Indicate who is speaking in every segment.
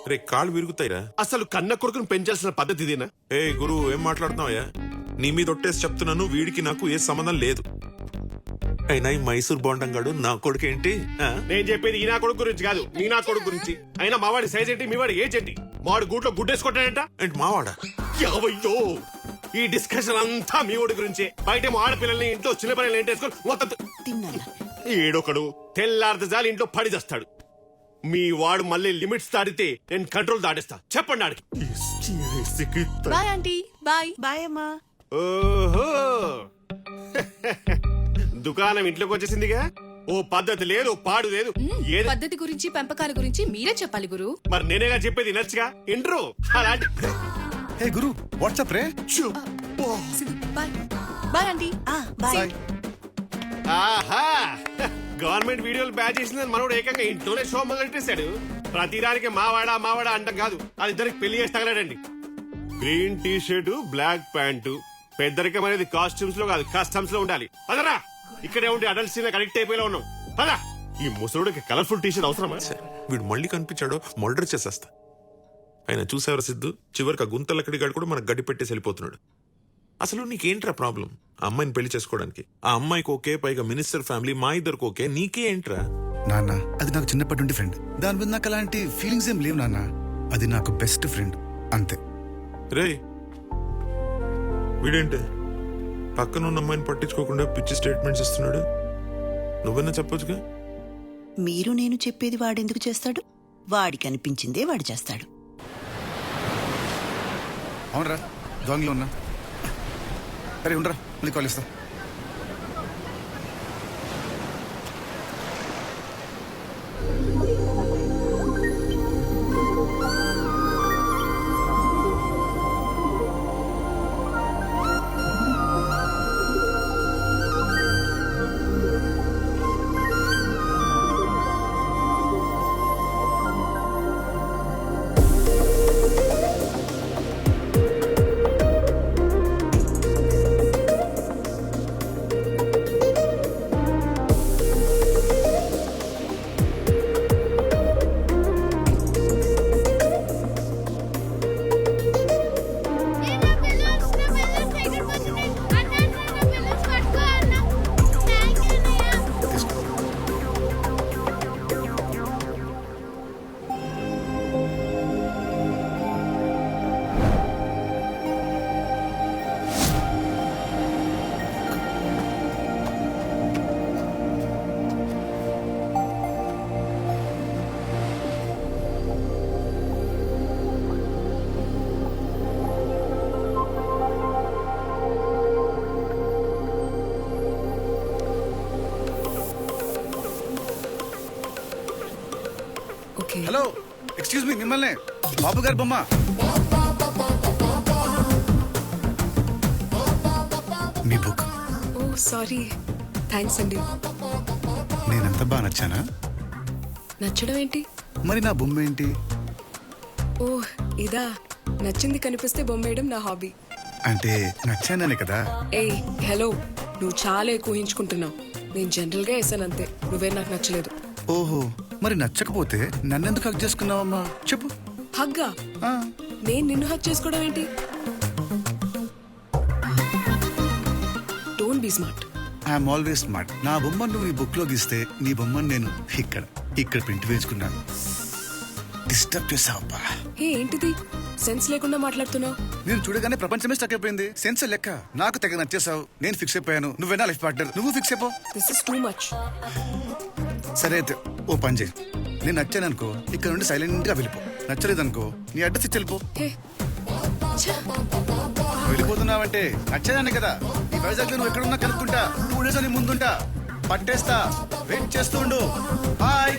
Speaker 1: రే కాళ్ళు విరుగుతాయిరా.
Speaker 2: అసలు కన్న కొడుకును పెంచాల్సిన పద్ధతి ఇదేనా?
Speaker 1: ఏ గురు ఏం మాట్లాడుతున్నావయ్యా? నీ మీద ఒట్టేసి చెప్తున్నాను, వీడికి నాకు ఏ సంబంధం లేదు. అయినా ఈ మైసూర్ బోండంగాడు నా కొడుకు ఏంటి?
Speaker 2: నేను చెప్పేది ఈ నా కొడుకు గురించి కాదు, నీ నా కొడుకు గురించి. అయినా మావాడి సైజ్ ఏంటి, మీవాడి ఏజ్ ఏంటి? మావాడి గూట్లో గుడ్డేసుకుంటాడంట.
Speaker 1: ఏంటి మావాడా?
Speaker 2: యావయ్యో, ఈ డిస్కషన్ అంతా మీ వాడి గురించే. బయటేమో ఆడపిల్లల్ని, ఇంట్లో చిన్న పిల్లల్ని ఏంటేసుకొని మొత్తం ఏడొకడు తెల్లారితే జాలి ఇంట్లో పడి చేస్తాడు. మీ వాడు మళ్ళీ లిమిట్స్ దాటితే నేను కంట్రోల్ దాటిస్తా. చెప్పండి ఆడికి.
Speaker 3: Bye aunty. బాయ్.
Speaker 4: బాయ్ అమ్మా.
Speaker 2: ఓహో, దుకాణం ఇంట్లోకి వచ్చేసిందిగా. ఓ పద్ధతి లేదు, పాడు లేదు. ఏది
Speaker 3: పద్ధతి గురించి పెంపకాల గురించి మీరే చెప్పాలి గురు.
Speaker 2: మరి నేనేగా చెప్పేది నచ్చగా ఇంట్రో అలాంటి.
Speaker 5: హే గురు, వాట్సాప్ రే.
Speaker 3: బాయ్. Bye aunty.
Speaker 4: బాయ్.
Speaker 2: ఆహా, గవర్నమెంట్ వీడియోలు బ్యాచ్ చేసిందని మనోడు ఏకంగా ఇంట్లోనే షో మొదలెట్టేశాడు. ప్రతిదానికి మావాడా మావాడా అంటాం కాదు, అది ఇద్దరికి పెళ్లి చేసి తగలడండి. Green T shirt, black pant. పెద్దరికం అనేది కాస్ట్యూమ్స్ లో కాదు, కస్టమ్స్ లో ఉండాలి. పదరా, ఇక్కడే ఉండి అడల్ట్ సీన్ కనెక్ట్ అయిపోయేలా ఉన్నాం. పదా, ఈ ముసలుడికి కలర్ఫుల్ టీ షర్ట్ అవసరమా?
Speaker 1: వీడు మళ్ళీ కనిపించాడో మర్డర్ చేసేస్తా. ఆయన చూసేవారు సిద్ధు, చివరికి ఆ గుంతలక్కడిగాడు కూడా మనకు గడ్డి పెట్టేసి వెళ్ళిపోతున్నాడు. అసలు నీకేంట్రా ప్రాబ్లం? ఆ అమ్మాయిని పెళ్లి చేసుకోవడానికి. ఆ అమ్మాయికి ఓకే, పైగా మినిస్టర్ ఫ్యామిలీ, మా ఇద్దరికి ఓకే, నీకే ఏంట్రా?
Speaker 5: నాన్న, అది నాకు చిన్నప్పటి నుండి ఫ్రెండ్. దాని మీద నాకు అలాంటి ఫీలింగ్స్ ఏం లేవు నాన్న. అది నాకు బెస్ట్ ఫ్రెండ్ అంతే.
Speaker 1: రే వీడేంటి పక్కన ఉన్న అమ్మాయిని పట్టించుకోకుండా పిచ్చి స్టేట్మెంట్స్ ఇస్తున్నాడు? నువ్వన్నా చెప్పొచ్చుగా.
Speaker 4: మీరు నేను చెప్పేది వాడెందుకు చేస్తాడు? వాడికి అనిపించిందే వాడు చేస్తాడు.
Speaker 5: అవునరా, దొంగలో ఉన్నా. అరే ఉండరా, మళ్ళీ కాల్ ఇస్తా. హలో, ఎక్స్క్యూజ్ మీ, మిమ్మల్ని. బాబు గారు బొమ్మ. మీ బుక్.
Speaker 3: ఓ సారీ, థ్యాంక్స్ అండి.
Speaker 5: నేనంత బాగా నచ్చానా?
Speaker 3: నచ్చడం ఏంటి?
Speaker 5: మరి నా బొమ్మ ఏంటి?
Speaker 3: ఓ ఇదా, నచ్చింది కనిపిస్తే బొమ్మేయడం నా హాబీ.
Speaker 5: అంటే నచ్చాననే కదా.
Speaker 3: ఏయ్ హలో, నువ్వు చాలా ఎక్కువ ఊహించుకుంటున్నావు. నేను జనరల్ గా వేసాను అంతే, నువ్వే నాకు నచ్చలేదు.
Speaker 5: ఓహో, మరి నచ్చకపోతే నన్నెందుకు హక్ చేసుకున్నావమ్మా? చెప్పు.
Speaker 3: హగ్గా? నేను నిన్ను హక్ చేసుకోవడం ఏంటి? Don't be smart.
Speaker 5: I'm always smart. నా బొమ్మను నువ్వు ఈ బుక్ లో గీస్తే నీ బొమ్మను నేను ఇక్కడ ప్రింట్ వేసుకున్నాను. డిస్టర్బ్ చేసావబ్బా.
Speaker 3: ఏంటిది సెన్స్ లేకుండా మాట్లాడుతున్నావు?
Speaker 5: నేను చూడగానే ప్రపంచమే స్టక్ అయిపోయింది. సెన్స్ లెక్క. నాకు తెగ నచ్చేసావు. నేను ఫిక్స్ అయిపోయాను. నువ్వేనా లైఫ్ పార్ట్నర్? నువ్వు ఫిక్స్ అయిపో.
Speaker 3: This is too much.
Speaker 5: సరే అయితే ఓ పని చేయి. నేను నచ్చాననుకో, ఇక్కడ నుండి సైలెంట్ గా వెళ్ళిపో. నచ్చలేదనుకో, నీ అడ్రస్ ఇచ్చి వెళ్ళిపో. వెళ్ళిపోతున్నావంటే నచ్చేదాన్ని కదా. ఈ వైజాగ్ నువ్వు ఎక్కడున్నా కనుక్కుంటా. 2 days అని ముందుంటా. పట్టేస్తా. వెయిట్ చేస్తూ ఉండు. బాయ్.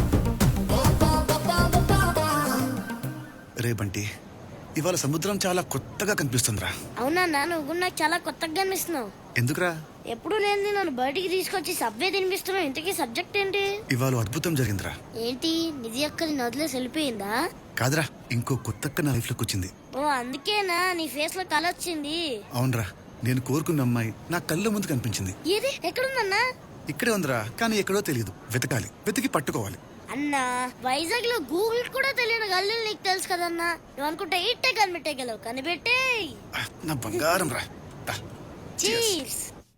Speaker 5: రే బంటి, ఇవాళ సముద్రం చాలా కొత్తగా కనిపిస్తుందిరా.
Speaker 6: అవునా, నువ్వు నాకు చాలా కొత్తగా కనిపిస్తున్నావు.
Speaker 5: ఎందుకురా?
Speaker 6: ఎప్పుడు లేని నన్ను బయటికి తీసుకొచ్చి సబ్వే తినిపిస్తున్నావు. ఇంతకీ సబ్జెక్ట్ ఏంటి?
Speaker 5: ఇవాళ అద్భుతం జరిగిందిరా.
Speaker 6: ఏంటి? నిధి అక్కది నదిలేసి వెళ్ళిపోయిందా?
Speaker 5: కాదురా, ఇంకో కొత్తక్క నా లైఫ్ లోకి వచ్చింది.
Speaker 6: ఓ అందుకేనా నీ ఫేస్ లో కళ వచ్చింది?
Speaker 5: అవునరా, నేను కోరుకున్న అమ్మాయి నా కళ్ళ ముందు కనిపించింది.
Speaker 6: ఏది? ఎక్కడుందన్నా?
Speaker 5: ఇక్కడే ఉందిరా, కానీ ఎక్కడో తెలియదు. వెతకాలి, వెతికి పట్టుకోవాలి.
Speaker 6: అన్నా వైజాగ్ లో గూగుల్ కూడా తెలియని గల్లీలు నీకు తెలుసు కదన్నా. నువ్వు అనుకుంటే ఇట్టే కనిపెట్టేయగలవు. కనిపెట్టే
Speaker 5: నా బంగారం రా. దా.
Speaker 6: చీర్స్.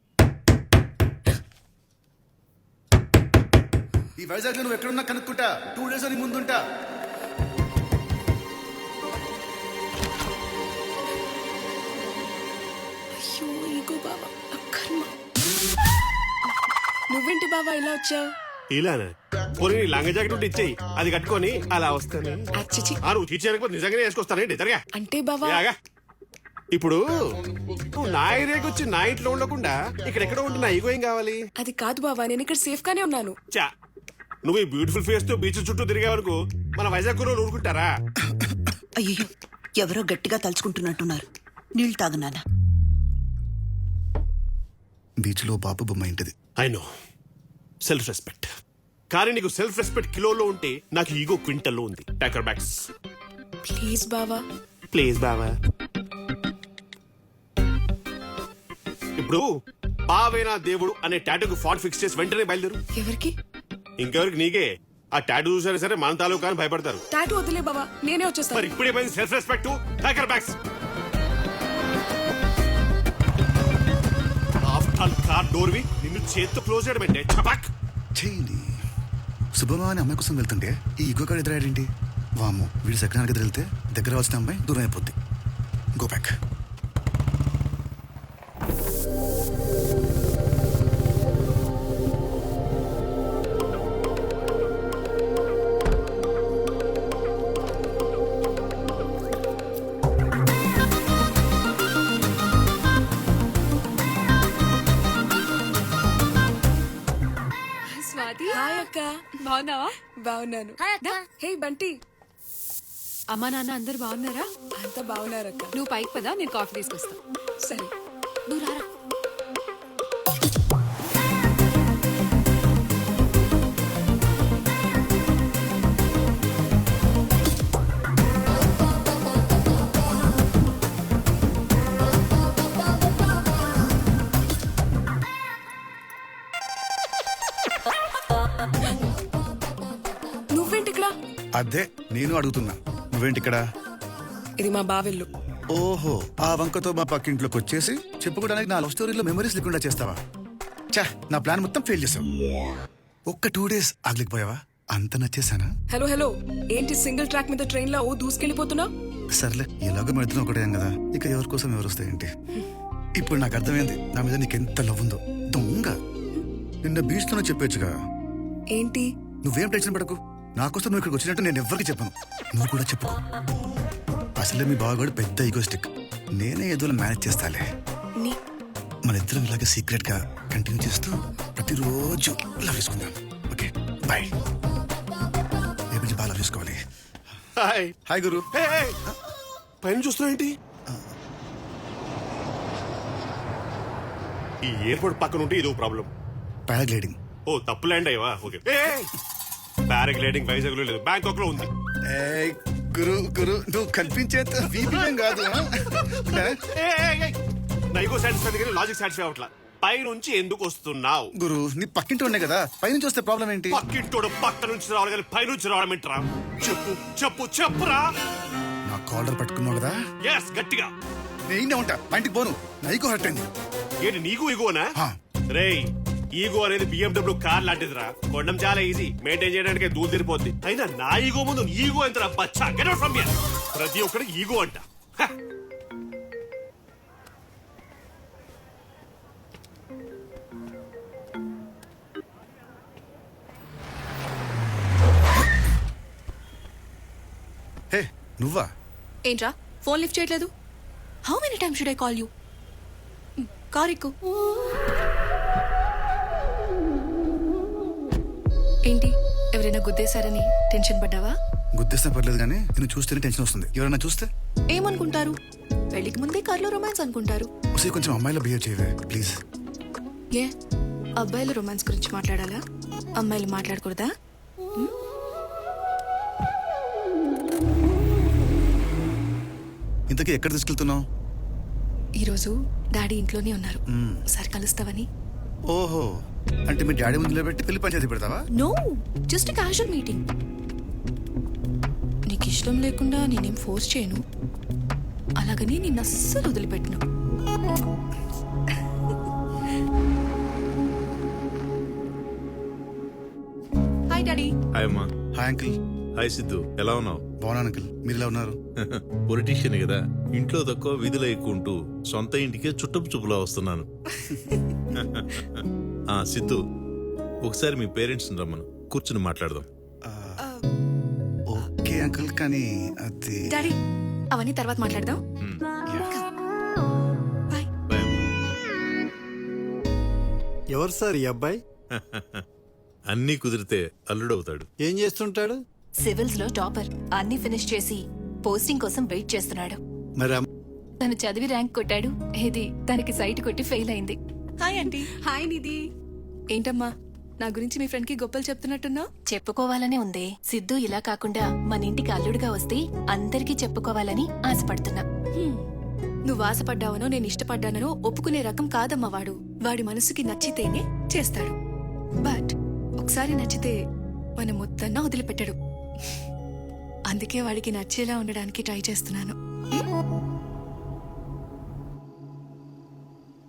Speaker 5: ఈ వైజాగ్ లో నువ్వు ఎక్కడున్నా కనుక్కుంటా. 2 days అని ముందుంటా.
Speaker 3: అయ్యో ఈగో బావా అక్కర్మ. నువ్వేంటి బావా ఇలా వచ్చావు?
Speaker 2: ఇలానా? పోనీ నీ లంగ జాకెట్ ఉంటే ఇచ్చేయి, అది కట్టుకొని అలా వస్తాను.
Speaker 3: అచ్చిచి
Speaker 2: నువ్వు తీర్చేయకపోతే నిజంగానే వేసుకొస్తానండి. జరగా
Speaker 3: అంటే బావా
Speaker 2: యాగా. ఇప్పుడు నువ్వు నా ఏరియాకి వచ్చి నా ఇంట్లో ఉండకుండా ఇక్కడెక్కడ ఉంటే నా ఈగో ఏం కావాలి?
Speaker 3: అది కాదు బావా, నేను ఇక్కడ సేఫ్ గానే ఉన్నాను.
Speaker 2: చా, నువ్వు ఈ బ్యూటిఫుల్ ఫేస్ తో బీచ్ చుట్టూ తిరిగే వరకు మన వైజాగ్ రోజు ఊరుకుంటారా?
Speaker 4: అయ్యో ఎవరో గట్టిగా తలుచుకుంటున్నట్టున్నారు. నీళ్ళు తాగు నాన్న.
Speaker 5: బీచ్ లో బాబు బొమ్మ ఇంటిది.
Speaker 2: I know, self respect. కానీ నీకు సెల్ఫ్ రెస్పెక్ట్ కిలోలో ఉంటే నాకు ఈగో క్వింటల్లో ఉంది. టాకర్ బ్యాగ్స్
Speaker 3: ప్లీజ్ బావా.
Speaker 2: ప్లీజ్ బావా. ఇప్పుడు బావేనా దేవుడు అనే టాటూకి ఫాంట్ ఫిక్స్ చేసి వెంటనే బయలుదేరు.
Speaker 3: ఎవరికి?
Speaker 2: ఇంకెవరికి? నీకే. ఆ టాటూ చూసారా సరే మన తాలూకా అని భయపడతారు.
Speaker 3: టాటూ వదిలే బావా, నేనే
Speaker 2: మరి
Speaker 3: వచ్చేస్తాను.
Speaker 2: ఇప్పుడేమైంది సెల్ఫ్ రెస్పెక్ట్? టాకర్ బ్యాగ్స్. ఆఫ్టర్ ఆల్ కార్ డోర్ వి నిన్ను చేత్తో క్లోజ్ చేయడం అంటే చపాక్.
Speaker 5: చేయండి. శుభమా అనే అమ్మాయి కోసం వెళ్తుంటే ఈ ఈగో కాడ ఎదురాడేంటి? వాము, వీడి సెకండ్ దగ్గర వెళ్తే దగ్గర వచ్చిన అమ్మాయి దూరం అయిపోద్ది. Go back.
Speaker 7: స్వాతి,
Speaker 3: హాయ్ అక్క.
Speaker 7: బాగున్నావా?
Speaker 3: బాగున్నాను.
Speaker 6: హాయ్ అక్క.
Speaker 3: హే బంటి.
Speaker 7: అమ్మా నాన్న అందరు బాగున్నారా?
Speaker 3: అంతా బాగున్నారక్క.
Speaker 7: నువ్వు పైకి పదా, నేను కాఫీ తీసుకొస్తా.
Speaker 3: సరే.
Speaker 7: నువ్వు రారా.
Speaker 3: నువ్వేంటి ఇక్కడ?
Speaker 5: అదే నేను అడుగుతున్నా, నువ్వేంటి ఇక్కడ?
Speaker 3: ఇది మా బావెల్లు.
Speaker 5: ఓహో, ఆ వంకతో మా పక్కింట్లోకి వచ్చేసి చెప్పుకోవడానికి నా లవ్ స్టోరీలో మెమరీస్ లేకుండా చేస్తావా? చా, నా ప్లాన్ మొత్తం ఫెయిల్ చేసావు. ఒక్క 2 days ఆగలేకపోయావా? అంత నచ్చేసానా?
Speaker 3: హలో హలో, ఏంటి సింగిల్ ట్రాక్ మీద ట్రైన్ లో దూసుకెళ్ళిపోతున్నావు?
Speaker 5: సర్లే, ఎలాగో మెడుతున్నా ఒకటే కదా, ఇక ఎవరి కోసం ఎవరు వస్తాయేంటి? ఇప్పుడు నాకు అర్థమైంది నా మీద నీకెంత లవ్ ఉందో. దొంగ, నిన్న బీచ్ లోనే చెప్పొచ్చుగా.
Speaker 3: ఏంటి?
Speaker 5: నువ్వేం టెన్షన్ పడకు, నాకోసం నువ్వు ఇక్కడికి వచ్చినట్టు నేను ఎవ్వరికి చెప్పను. నువ్వు కూడా చెప్పుకో. అసలే మీ బావగాడు పెద్ద ఈగోస్టిక్. నేనే ఏదో మేనేజ్ చేస్తాలే.
Speaker 3: నీ-
Speaker 5: మన ఇద్దరం ఇలాగే సీక్రెట్ గా కంటిన్యూ చేస్తూ ప్రతిరోజు లవ్ చేసుకుందాం. Okay bye. రేపు నుంచి బాగా లవ్ చేసుకోవాలి.
Speaker 2: హాయ్.
Speaker 5: హాయ్ గురు.
Speaker 2: Hey, hey. పైన చూస్తున్నావు ఏంటి? ఈ ఎయిర్పోర్ట్ పక్కన ఉంటే ఇదో ప్రాబ్లం.
Speaker 5: పారాగ్లైడింగ్.
Speaker 2: ఓ, తప్పు ల్యాండ్ అయ్యవా? ఓకే. పారాగ్లైడింగ్ వైజాగ్ లో లేదు, బ్యాంకాక్ లో ఉంది.
Speaker 5: ఏయ్, గురు గురు నువ్వు కల్పించేంత వీపీఎం కాదు.
Speaker 2: నైగో సాటిస్ఫై దగ్గర లాజిక్ సాటిస్ఫై అవట్లా. పై నుంచి ఎందుకు వస్తున్నావు?
Speaker 5: గురు నీ పక్కింటి ఉండే కదా, పైనుంచి వస్తే ప్రాబ్లం ఏంటి?
Speaker 2: పక్కింటోడు పక్క నుంచి రావాలి కానీ పై నుంచి రావడం ఏంట్రా? చెప్పు చెప్పు చెప్పురా.
Speaker 5: నా కాలర్ పట్టుకున్నావు కదా,
Speaker 2: ఎస్, గట్టిగా.
Speaker 5: నేనే ఉంటా. పైంటికి పోను, నైకో హర్ట్ అయింది.
Speaker 2: ఏంటి నీకు ఈగోనా?
Speaker 5: హా.
Speaker 2: రేయ్, ఈగో అనేది BMW కార్ లాంటిదిరా. కొనడం చాలా ఈజీ, మెయింటైన్ చేయడానికి దూరం తిరిపోద్ది. అయినా నా ఈగో ముందు ఈగో ఎంతరా బచ్చా? Get out from here. ప్రతి ఒక్కరికి ఈగో అంట. హ.
Speaker 5: హే నువ్వా?
Speaker 7: ఏంట్రా ఫోన్ లిఫ్ట్ చేయట్లేదు? How many times should I call you? Car ఎక్కు. ఏంటి, ఎవరైనా గుద్దేశారని టెన్షన్ పడ్డావా?
Speaker 5: గుర్తిస్తే పర్లేదు కానీ నేను చూస్తేనే టెన్షన్ వస్తుంది. ఎవరైనా చూస్తే
Speaker 7: ఏమనుకుంటారు? పెళ్లికి ముందే కార్లో రొమాన్స్ అనుకుంటారు.
Speaker 5: ఒకసారి కొంచెం అమ్మాయిలో బిహేవ్ చేయవే ప్లీజ్.
Speaker 7: ఏ అబ్బాయిలు రొమాన్స్ గురించి మాట్లాడాలా? అమ్మాయిలు మాట్లాడకూడదా?
Speaker 5: ఇంతకీ ఎక్కడ తీసుకెళ్తున్నావు?
Speaker 7: ఈరోజు డాడీ ఇంట్లోనే ఉన్నారు, ఒకసారి కలుస్తావని.
Speaker 5: ఓహో, అంటే మీ డాడీ ముందు నిలబెట్టి పెళ్లి పంచాయతీ పెడతావా?
Speaker 7: No, just casual meeting. నీకు ఇష్టం లేకుండా నేనేం ఫోర్స్ చేయను, అలాగని నిన్ను అస్సలు వదిలిపెట్టను. Hi daddy.
Speaker 8: హాయ్ అమ్మా.
Speaker 5: Hi uncle.
Speaker 8: హాయ్ సిద్ధు, ఎలా ఉన్నావు?
Speaker 5: బాగున్నాను అంకిల్, మీరు ఎలా ఉన్నారు?
Speaker 8: పొలిటీషియన్ కదా, ఇంట్లో తక్కువ విధులు ఎక్కువ ఉంటూ సొంత ఇంటికే చుట్టపు చూపులా వస్తున్నాను. సిద్ధు, ఒకసారి మీ పేరెంట్స్ రమ్మను, కూర్చుని మాట్లాడదాం.
Speaker 5: ఓకే అంకిల్, కానీ అది
Speaker 7: డాడీ అవన్నీ తర్వాత మాట్లాడదాం. బాయ్.
Speaker 8: బాయ్ అమ్మా.
Speaker 9: ఎవరు సార్ ఈ అబ్బాయి?
Speaker 8: అన్నీ కుదిరితే అల్లుడవుతాడు.
Speaker 9: ఏం చేస్తుంటాడు?
Speaker 10: సివిల్స్ లో టాపర్. అన్ని ఫినిష్ చేసి పోస్టింగ్ కోసం వెయిట్ చేస్తున్నాడు.
Speaker 9: మరి
Speaker 10: తను చదివి ర్యాంక్ కొట్టాడు, ఇది తనకి సైట్ కొట్టి ఫెయిల్ అయింది.
Speaker 7: Hi aunty. హాయ్ నిధి. ఏంటమ్మా నా గురించి మీ ఫ్రెండ్ కి గొప్పలు చెప్తున్నట్టున్నావు?
Speaker 10: చెప్పుకోవాలనే ఉంది. సిద్ధు ఇలా కాకుండా మన ఇంటికి అల్లుడుగా వస్తే అందరికీ చెప్పుకోవాలని ఆశపడుతున్నా.
Speaker 7: నువ్వు ఆశపడ్డావనో నేను ఇష్టపడ్డానో ఒప్పుకునే రకం కాదమ్మా వాడు. వాడి మనసుకి నచ్చితేనే చేస్తాడు. బట్ ఒకసారి నచ్చితే మన మొత్తన్నా వదిలిపెట్టడు. అందుకే వాడికి నచ్చేలా ఉండడానికి ట్రై చేస్తున్నాను.